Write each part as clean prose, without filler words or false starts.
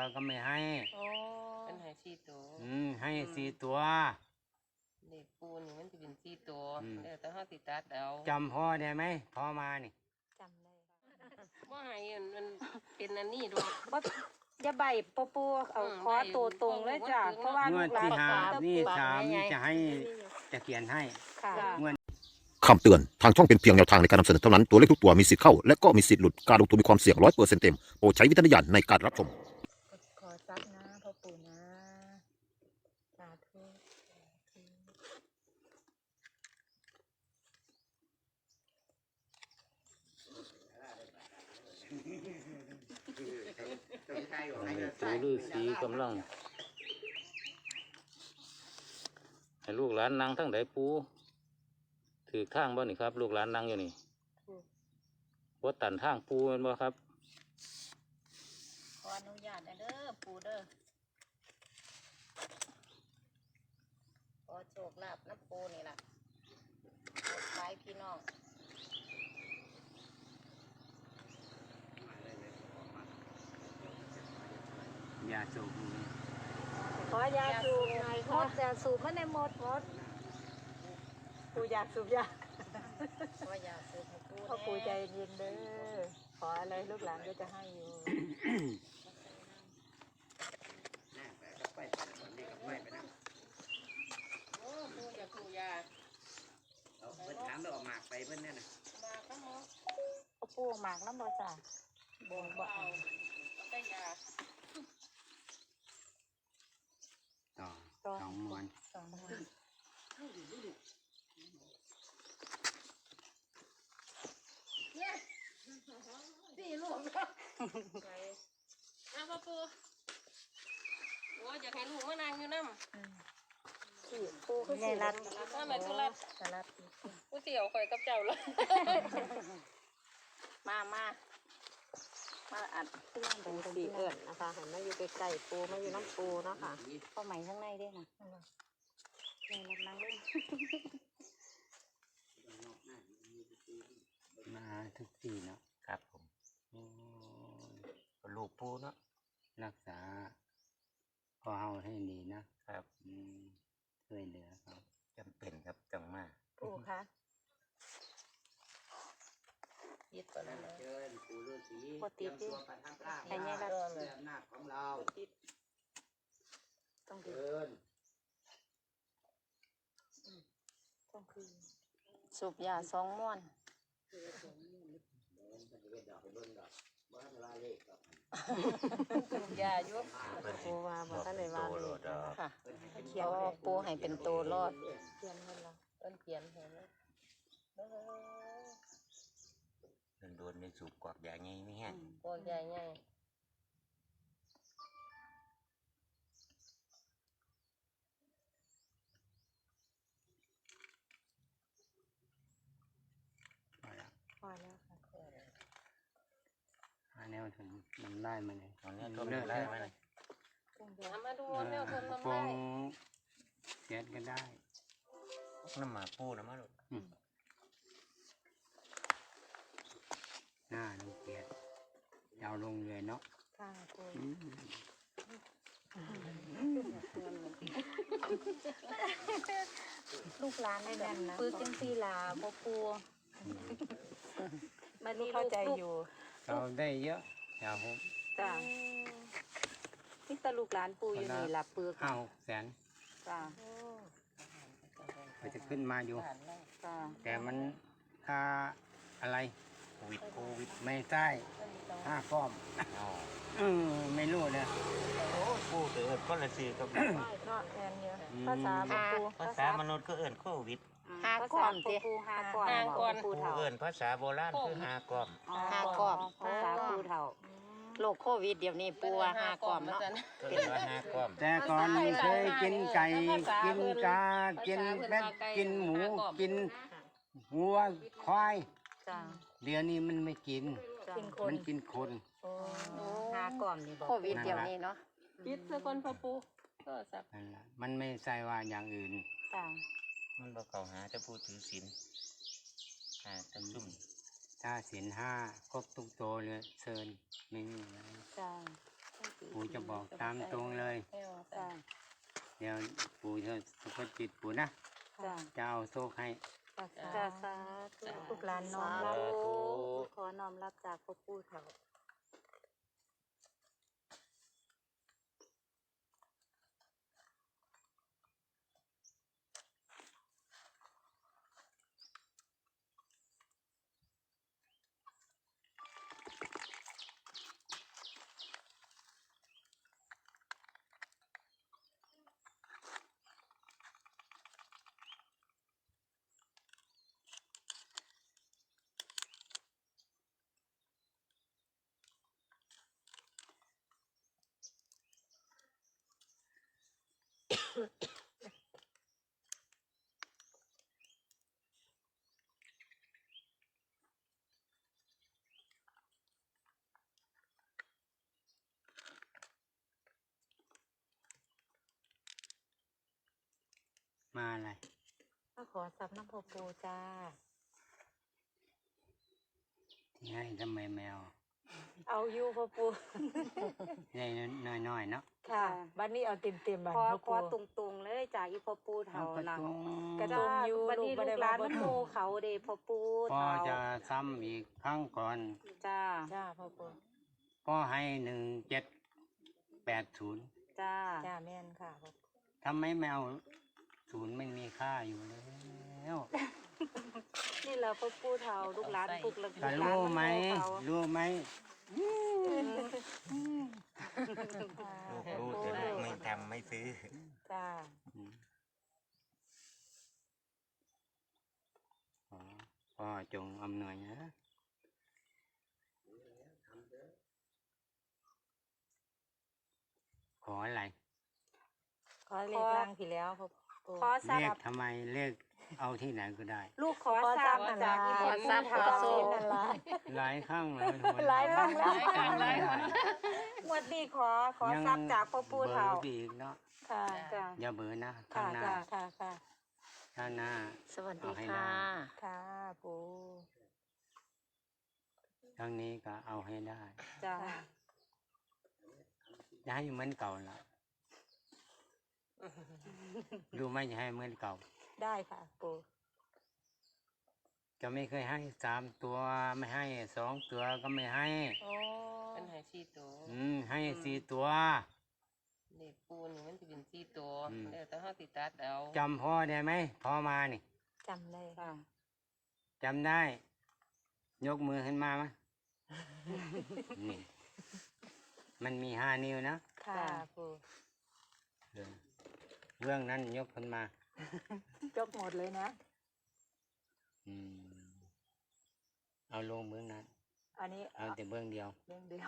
ก็ไม่ให้เป็นให้4 ตัวให้4 ตัวเด็กปูนี่มันจะเป็น4 ตัวแต่เขาติดตัดเอาจำพ่อได้ไหมพ่อมานี่จำได้ว่าให้มันเป็นอันนี้ดูอย่าใบปูเอาคอตัวตรงเลยจ้ะเพราะว่าลูกหลานนี่3จะให้จะเขียนให้คำเตือนทางช่องเป็นเพียงแนวทางในการนำเสนอเท่านั้นตัวเลขทุกตัวมีสิทธิ์เข้าและก็มีสิทธิ์หลุดการลงทุนมีความเสี่ยง100%เต็มโปรดใช้วิจารณญาณในการรับชมขอซักนะพ่อปู่นะสาธุปู่ฤาษีกำลังให้ลูกหลานนั่งทั้งใดปู่ถือทางบ่นี่ครับลูกหลานนั่งอยู่นี่บ่ตันทางปู่แม่นบ่ครับขออนุญาตเด้อปู่เด้อขอโชคลาภน้ำปู่นี่ล่ะไปพี่น้องยาสูบขอยาสูบหน่อยครับยาสูบมันในหมดปู่อยากสูบยาขอยาสูบให้ปู่พ่อปู่ใจเย็นเด้อขออะไรลูกหลานก็จะให้อยู่โอ้ปูอยากปูยาเพิ่นถามแล้วออกหมากไปเพิ่นเนี่ยนะหมากก็หมดปู่หมากน้ำบ่จ้ะบ่เอาแต่ยาสองม้วนสี่ลูกไปเอาพ่อปูโอ้อยากให้ลูกมานั่งอยู่น้ำปูคือสิรัดถ้าแม่ตุลัดกูเสี่ยวข่อยกับเจ้าเลยมาอัดปูสีเอิญนะคะเห็นมาอยู่ใกล้ๆปูมาอยู่น้ำปูเนาะค่ะเข้าใหม่ข้างในด้วยนะนี่นั่งเล่นมาทุกทีเนาะครับผมลูกปู่เนาะรักษาพอเฮาให้ดีนะครับช่วยเหลือเขาจำเป็นครับจังมากปู่คะยึดก่อนนะเชิญปู่ฤาษีปกติที่ให้ไงล่ะอำนาจของเราต้องเชิญต้องคือสูบยา2 ม้วนยาอยู่ปูว่าบ่ทันได้ว่าเลยค่ะเขียวปูให้เป็นโตรอดเขียนให้เราเขียนให้เราโดนในสูบกวากยาไงไม่แห้งกวากใหญ่ไงพอแล้วค่ะแนวถึงมันได้มาเลยตอนนี้ต้นได้ไหมเลยมาดูแนวต้นมันได้เสียดก็ได้น้ำหมาปูน้ำมาลูกหน้าลงเกียดยาวลงเลยเนาะค่ะลูกหลานได้แน่นนะปื้จังซี่ล่ะบ่ปูมันนี่เข้าใจอยู่เราได้เยอะอย่าผมจ้านี่ตาลูกหลานปูอยู่นี่ล่ะปื้ 5-600,000 จ้ามันจะขึ้นมาอยู่จ้าแต่มันค่าอะไรโควิดไม่ใช่5 ก้อมไม่รู้เลยโอ้ปูเอิญก็ละซื้อกับภาษาปูภาษามนุษย์ก็เอิญโควิด 5 ก้อมสิ5 ก้อมปูเอิญภาษาโบราณคือ5 ก้อม 5 ก้อมภาษาปูเฒ่าโรคโควิดเดี๋ยวนี้ปูว่า5 ก้อมเนาะเป็นว่า5 ก้อมแต่ก่อนเคยกินไก่กินกากินเป็ดกินหมูกินวัวควายเดี๋ยวนี้มันไม่กินมันกินคน 5 ก้อมนี่โควิดเดี๋ยวนี้เนาะปิดซะก่อนพ่อปู่ก็สับมันไม่ใช่ว่าอย่างอื่นมันบอกเขาหาจะพูดถือศีลจะซุ่มถ้าศีล5ครบทุกโตเลยเชิญไม่มีอะไรปู่จะบอกตามตรงเลยจ้าเดี๋ยวปู่จะสะกดจิตปู่นะจ้าจะเอาโชคให้จ้าสาธุลูกหลานน้อมรับขอน้อมรับจากพ่อปู่เฒ่ามาอะไรก็ขอสับน้ำพ่อปู่จ้าที่ให้ทำไมแมวเอาอยู่พ่อปู่ได้น้อยๆเนาะค่ะบ้านนี้เอาเต็มๆบ้านขอพ่อขอปู่ตรงๆเลยจากอีพ่อปู่เอาเฒ่ากระนะตุ้งกระจ้าตุ้งอยู่วันนี้ลูลูกกบ่ได้หลานว่ามันโมเขาเด้พ่อปู่พ่อเฒ่าจะซ้ำอีกครั้งก่อนจ้าจ้าพ่อปู่พ่อให้1780 จ้าจ้าแม่นค่ะพ่อปู่ทำไมแมวศูนย์ไม่มีค่าอยู่แล้วนี่แหละพ่อปู่เฒ่าลูกหลานปลุกลูกหก็ลานรู้มันไหมโมเขารู้ไหมรู้แต่ลูกไม่ทำไม่ซื้อจ้าพ่อจงอำนวยนะขออะไรขอเลขล่างที่แล้วพ่อปู่ขอทรัเลพขย์ทำไมเลขเอาที่ไหนก็ได้ลูกขอขอททรัรัพพย์ย์นั่นจาล่ะกอีขพ่ออทรัปู่พย์ขอเฒ่าโซนนั่นล่ะหลายครั้งเลยหลายครั้งแล้วหลายคนงวดนี้ขอทรัพย์จากพ่อปู่เฒ่าเบอร์อีกเนาะค่ะจ้าอย่าเบอร์นะค่ะข้างหน้าค่ะค่ะข้างหน้าสวัสดีเอาให้ค่ะได้ค่ะปู่ข้างนี้ก็เอาให้ได้จ้าค่ะอย่าให้เหมือนเก่าละดูไหมอย่าให้เหมือนเก่าได้ค่ะปู่จะไม่เคยให้3 ตัวไม่ให้2 ตัวก็ไม่ให้โอ้เป็นหาย4ตัวให้4 ตัวเด็กปูนี่มันจะเป็น4ตัวอืมเดี๋ยวต้องเฮาติดตัดเอาจำพ่อได้ไหมพ่อมานี่จำได้จ้าจำได้ ยกมือขึ้นมาไหม นี่ มันมี5 นิ้วนะค่ะปู่เรื่องนั้นยกขึ้นมายกหมดเลยนะอืมเอาลงเบื้องนั้นอันนี้เอาแต่เบื้องเดียวเรื่องเดียว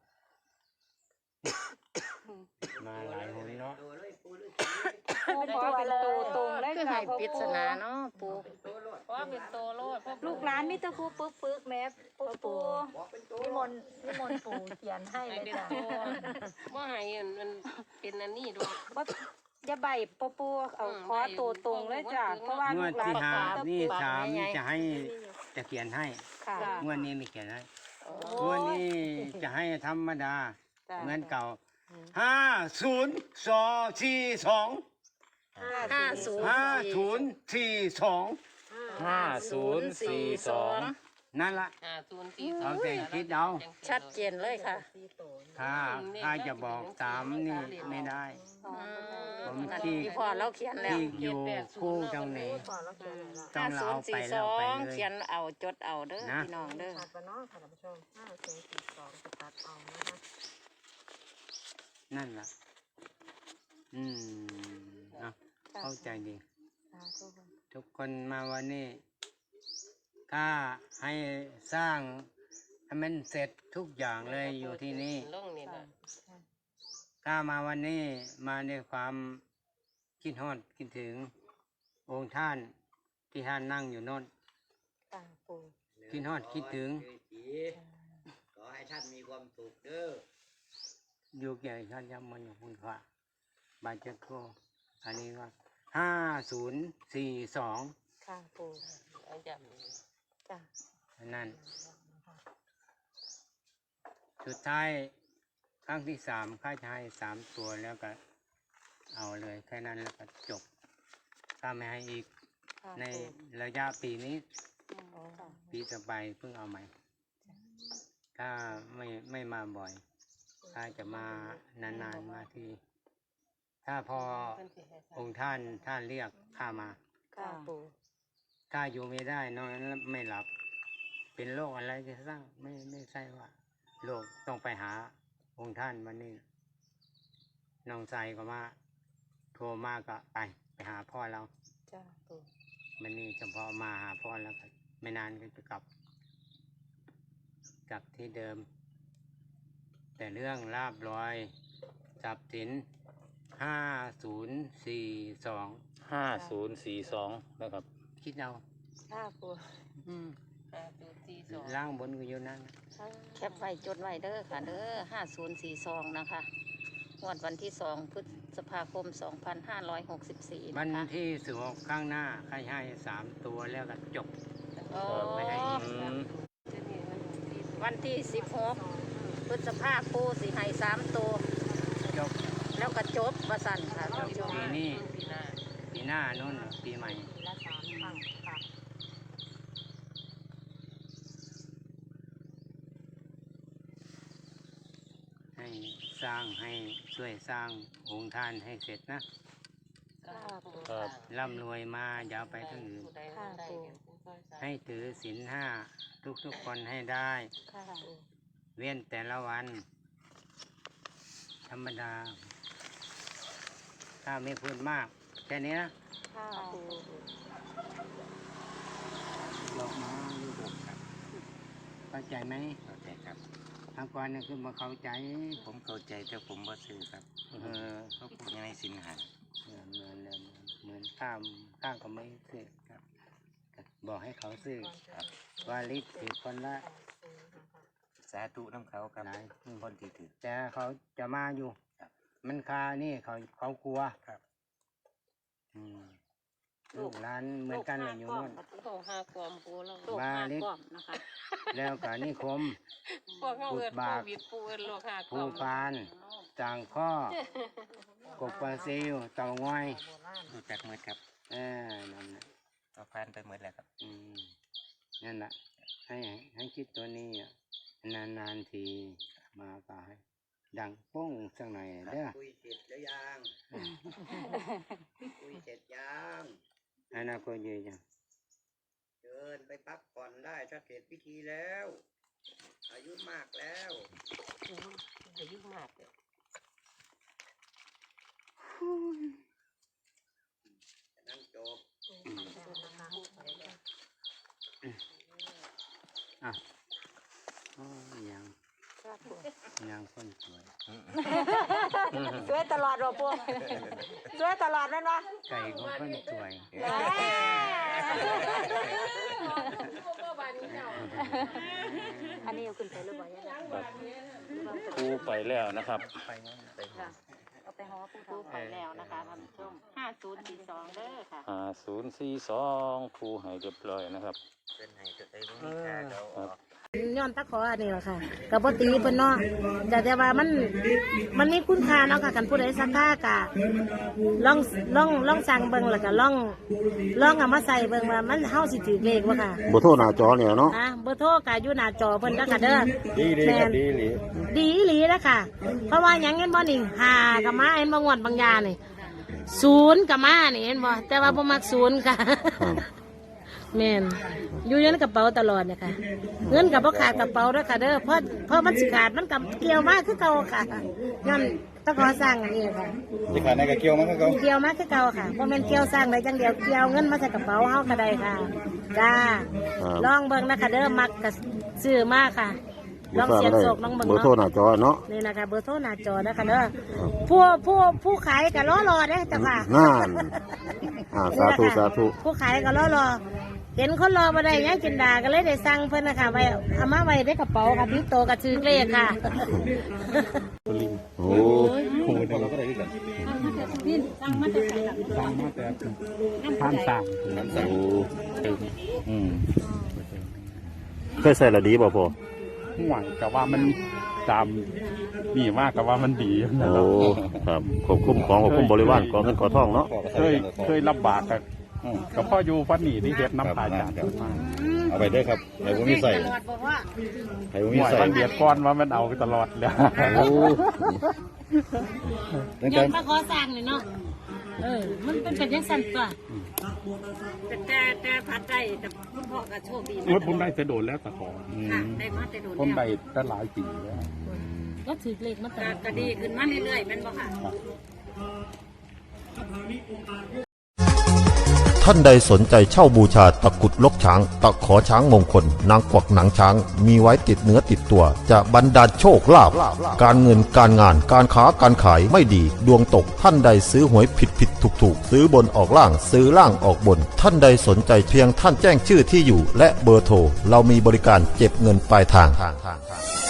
มาหลายหนเนาะปู่ขอเป็นตัวตรงเลยค่ะพ่อปริศปู่นาเนาะปู่เพราะว่าเป็นตัวโลดเพราะลูกหลานมิตรครูปึกแม่พ่อปู่นิมนต์ปู่เขียนให้ให้เลยเป็นจ้ะตัวบ่ให้มันเป็นอันนี้ด้วยว่าอย่าใบพ่อปู่เอาขอตัวตรงเลยจ้าเพราะว่างวลูดกหลาที่น 5นี่3จะให้จะเขียนให้ค่ะงวดนี้ไม่เขียนให้โอ้งวดนี้จะให้ธรรมดาจ้าเหมือนเก่า5042 5042 นั่นละ 042 เอาแต่คิดเอาชัดเจนเลยค่ะถ้าจะบอกตามนี่ไม่ได้ ผมที่พี่พ่อเราเขียนแล้วที่อยู่คู่ตรงนี้พ่อเราเขียนแล้วต้องเราเอาไปแล้วไปเลยเขียนเอาจดเอาเด้อนะพี่น้องเด้อตัดไปเนาะค่ะท่านผู้ชม5042จะตัดเอานะคะนั่นล่ะ เอาเข้าใจดี ทุกคนมาวันนี้ถ้าให้สร้างให้มันเสร็จทุกอย่างเลยอยู่ที่นี่ลงนี่ล่ะถ้ามาวันนี้มาด้วยความคิดฮอดคิดถึง องค์ท่านที่ท่านนั่งอยู่โน่นค่ะปู่คิดฮอดคิดถึงขอให้ท่านมีความสุขเด้ออยู่เกี่ยวกับท่านยำมันอยู่คุณพระบาดเจ็บโคอันนี้ว่า5042 ค่ะปู่เอาจำนี่จ้ะนั่นสุดท้ายครั้งที่ 3ข้าจะให้3 ตัวแล้วก็เอาเลยแค่นั้นแล้วก็จบถ้าไม่ให้อีกในระยะปีนี้ปีต่อไปเพิ่งเอาใหม่ถ้าไม่มาบ่อยถ้าจะมานานๆมาทีถ้าพอองค์ท่านเรียกข้ามาค่ะปู่ถ้าอยู่ไม่ได้นอนนั้นไม่หลับ เป็นโรคอะไรจะสร้างไม่ใช่ว่าโรคต้องไปหาองค์ท่านวันนี้น้องใจก็มาโทรมาก็ไปหาพ่อเราจ้าปู่วันนี้เฉพาะมาหาพ่อแล้วก็ไม่นานก็จะกลับที่เดิม แต่เรื่องลาบลอยทรัพย์สิน5042 5042นะครับคิดเอาค่ะปู่ล่างบนก็อยู่นั่นแคปไว้จดไว้เด้อค่ะเด้อ5042นะคะงวดวันที่2 พฤษภาคม 2564 วันนะคะที่16ข้างหน้าใครให้3 ตัวแล้วก็จบโอ้ไม่ให้อีกวันที่16 พฤษภาคมสิให้3 ตัวจบแล้วก็จบว่าสั่นค่ะท่านผู้ชมปีนี้ปีหน้านู่นปีใหม่ปีละ3 ครั้งค่ะให้สร้างให้ช่วยสร้างองค์ท่านให้เสร็จนะค่ะปู่ครับร่ำรวยมาอย่าเอาไปทั้งอื่นค่ะปู่ให้ถือศีล5ทุกคนให้ได้ค่ะปู่เว้นแต่ละวัน ธรรมดา ถ้าไม่พูดมากแค่นี้นะค่ะปู่ยกมาลูกครับเข้าใจไหมเข้าใจครับทางก่อนนี่คือมาเข้าใจผมเข้าใจแต่ผมบ่ซื้อครับเขาผมยังในสินหาเหมือนข้ามก็ไม่ซื้อครับ บอกให้เขาซื้อครับวาลิตถือคนละสาธุน้ำเขาครับหลายคนที่ถือแต่เขาจะมาอยู่ มันคานี่เขากลัวครับลูกหลานเหมือนกันเลยอยู่นู่นโอ้5 กล่อมปูแล้วลูกมา 5 ลิกล่อมนะคะแล้วก็นิคมพวกเขาเอิ้นโควิดปูเอิ้นโรค5 กภูล่อมปานจางข้อกบปลาซิวเต่างอยรู้จักหมดครับนั่นแหละก็ผ่านไปหมดแล้วครับนั่นแหละให้คิดตัวนี้อ่ะนานๆทีมาก็ให้ดังโป้งสักหน่อยเด้อคุยเสร็จแล้วยัง คุยเสร็จยังอนาคตเยอะจังเดินไปพักผ่อนได้ถ้าเสร็จพิธีแล้ว อายุมากแล้วอายุมากเลยนั้นจบยังคนสวยสวยตลอดหรอปู่สวยตลอดนั่นวะไก่ก็คนสวยอันนี้เอาขึ้นไปหรือเปล่ายังปูไปแล้วนะครับไปงั้นไปค่ะเอาไปห่อปูไปแล้วนะคะท่านผู้ชม5042เด้อค่ะ 5042ปูให้เรียบร้อยนะครับเป็นไงจะได้รู้ค่าเราออกย้อนตะขออันนี้แหละค่ะกับปตีเพิ่นเนาะแต่ว่ามันมีคุณค่าเนาะค่ะกันผู้ใดสักค่ากะลองสั่งเบิ่งแล้วก็ลองเอามาใส่เบิ่งว่ามันเฮาสิถือเลขบ่ค่ะบ่โทรหน้าจอเนี่ยเนาะเบอร์โทรก็อยู่หน้าจอเพิ่นเด้อค่ะเด้อดีดีครับดีดีดีอีหลีนะค่ะ เพราะว่าหยังเห็นบ่นี่5ก็มาเห็นบ่งวดบางยานี่0ก็มานี่เห็นบ่แต่ว่าบ่มัก0ค่ะแม่นอยู่ในกระเป๋าตลอดเนี่ยค่ะเงินกับบ่ขาดกระเป๋าด้วยค่ะเด้อเพราะมันสิขาดมันกับเกี่ยวมากคือเก่าค่ะย้อนต้องขอสร้างอันนี้ค่ะที่ขาดในกระเกี่ยวมันก็เขาเกี่ยวมากคือเก่าค่ะบ่แม่นเกี่ยวสร้างได้จังเดียวเกี่ยวเงินมาใส่กระเป๋าเฮาก็ได้ค่ะจ้าลองเบิ่งนะคะเด้อมักก็ซื้อมาค่ะลองเสียงโศกลองเบิ่งเบอร์โทรหเนาะน้าจอเนาะนี่นะคะเบอร์โทรหน้าจอนะคะเด้อผู้ขายก็รอเด้อจ้ะค่ะนั่นสาธุสาธุผู้ขายก็รอเห็นคนรอมาได้ยังจินดาก็เลยได้สั่งเพิ่นนะคะไว้เอามาไว้ในกระเป๋าค่ะพี่โตกับชื่อเลขค่ะโอ้เราก็ได้ด้วยกันท่านสั่งเคยใส่ละดีบ่พอห่วงกับว่ามันตามนี่มากกับว่ามันดีนะโอ้ครับควบคุมของควบคุมบริวารของเงินขอทองเนาะเคยลำบากกับพ่ออยู่ฟันนี่ที่เฮ็ดน้ำพายจานมาเอาไปด้วยครับไอ้พวกนี้ใส่ไอ้พวกหนี้วยใส่ฟันเดียดก้อนว่ามันเอาตลอดเลยโอ้ตั้งยัแต่งมาขอสร้างเลยเนาะมันเป็นยังสั่นตัวแต่พัดได้แต่คุณพ่อก็โชคดีนะโอ้ยผมได้จะโดนแล้วตะขอค่ะได้มาแต่โดนผมแล้วได้แต่หลายปีแล้วแล้วถือเลขมาตลอดก็ดีขึ้นมาเรื่อยๆแม่นบ่ค่ะท่านใดสนใจเช่าบูชาตะกรุดลกช้าง ตะขอช้างมงคล นางกวักหนังช้าง มีไว้ติดเนื้อติดตัว จะบรรดาลโชคลาภการเงินการงานการค้าการขายไม่ดี ดวงตกท่านใดซื้อหวยผิดถูกซื้อบนออกล่างซื้อล่างออกบน ท่านใดสนใจเพียงท่านแจ้งชื่อที่อยู่ และเบอร์โทรเรามีบริการเก็บเงินปลายทาง